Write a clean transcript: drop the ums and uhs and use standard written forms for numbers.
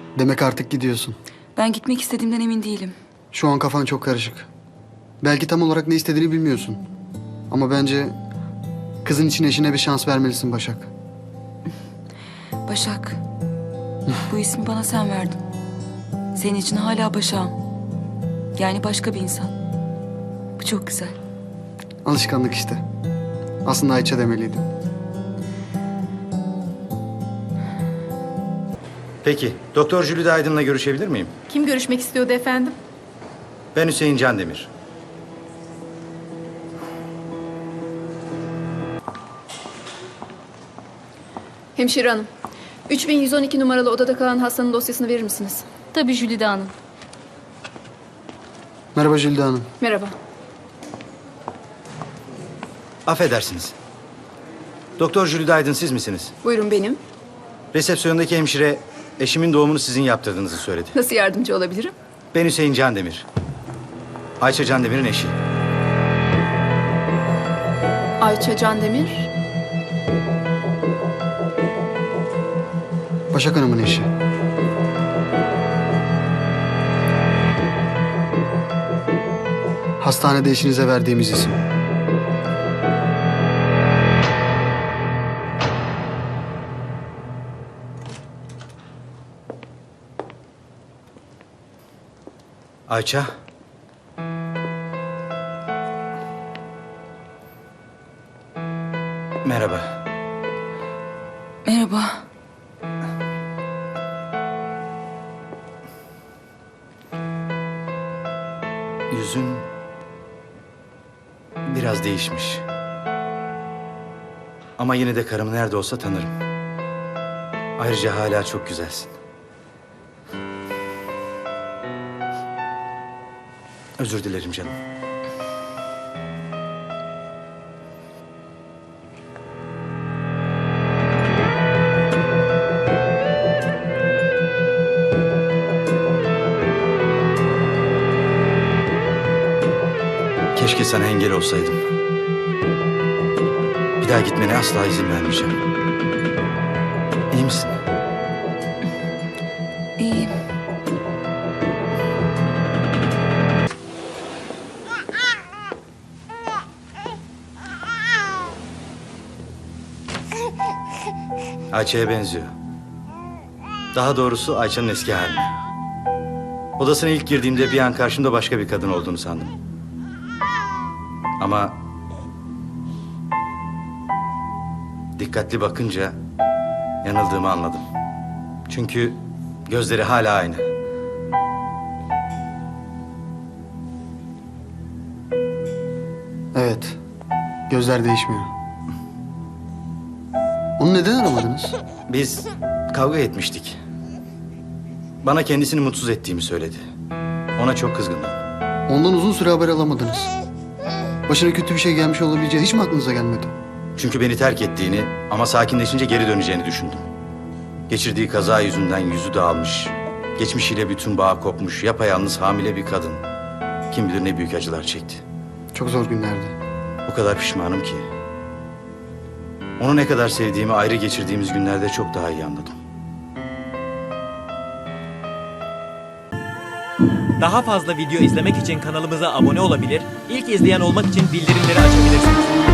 Demek artık gidiyorsun. Ben gitmek istediğimden emin değilim. Şu an kafan çok karışık. Belki tam olarak ne istediğini bilmiyorsun. Ama bence kızın için eşine bir şans vermelisin Başak. Başak. Bu ismi bana sen verdin. Senin için hala Başak'ım. Yani başka bir insan. Bu çok güzel. Alışkanlık işte. Aslında Ayça demeliydim. Peki, Doktor Jülide Aydın'la görüşebilir miyim? Kim görüşmek istiyordu efendim? Ben Hüseyin Candemir. Hemşire hanım. 3112 numaralı odada kalan hastanın dosyasını verir misiniz? Tabii Jülide Hanım. Merhaba Jülde Hanım. Merhaba. Affedersiniz. Doktor Jülide Aydın siz misiniz? Buyurun benim. Resepsiyondaki hemşire eşimin doğumunu sizin yaptırdığınızı söyledi. Nasıl yardımcı olabilirim? Ben Hüseyin Candemir. Ayça Candemir'in eşi. Ayça Candemir. Başak Hanım'ın eşi. Hastanede eşinize verdiğimiz isim. Ayça. Merhaba. Merhaba. Yüzün biraz değişmiş. Ama yine de karım nerede olsa tanırım. Ayrıca hala çok güzelsin. Özür dilerim canım. Keşke sana engel olsaydım. Bir daha gitmene asla izin vermeyeceğim. İyi misin? İyiyim. Ayça'ya benziyor. Daha doğrusu Ayça'nın eski haline. Odasına ilk girdiğimde bir an karşımda başka bir kadın olduğunu sandım. Ama dikkatli bakınca yanıldığımı anladım. Çünkü gözleri hala aynı. Evet. Gözler değişmiyor. Onu neden aramadınız? Biz kavga etmiştik. Bana kendisini mutsuz ettiğimi söyledi. Ona çok kızgındım. Ondan uzun süre haber alamadınız. Başına kötü bir şey gelmiş olabileceği hiç mi aklınıza gelmedi? Çünkü beni terk ettiğini ama sakinleşince geri döneceğini düşündüm. Geçirdiği kaza yüzünden yüzü dağılmış, geçmişiyle bütün bağ kopmuş, yapayalnız hamile bir kadın. Kim bilir ne büyük acılar çekti. Çok zor günlerdi. O kadar pişmanım ki. Onu ne kadar sevdiğimi ayrı geçirdiğimiz günlerde çok daha iyi anladım. Daha fazla video izlemek için kanalımıza abone olabilir, ilk izleyen olmak için bildirimleri açabilirsiniz.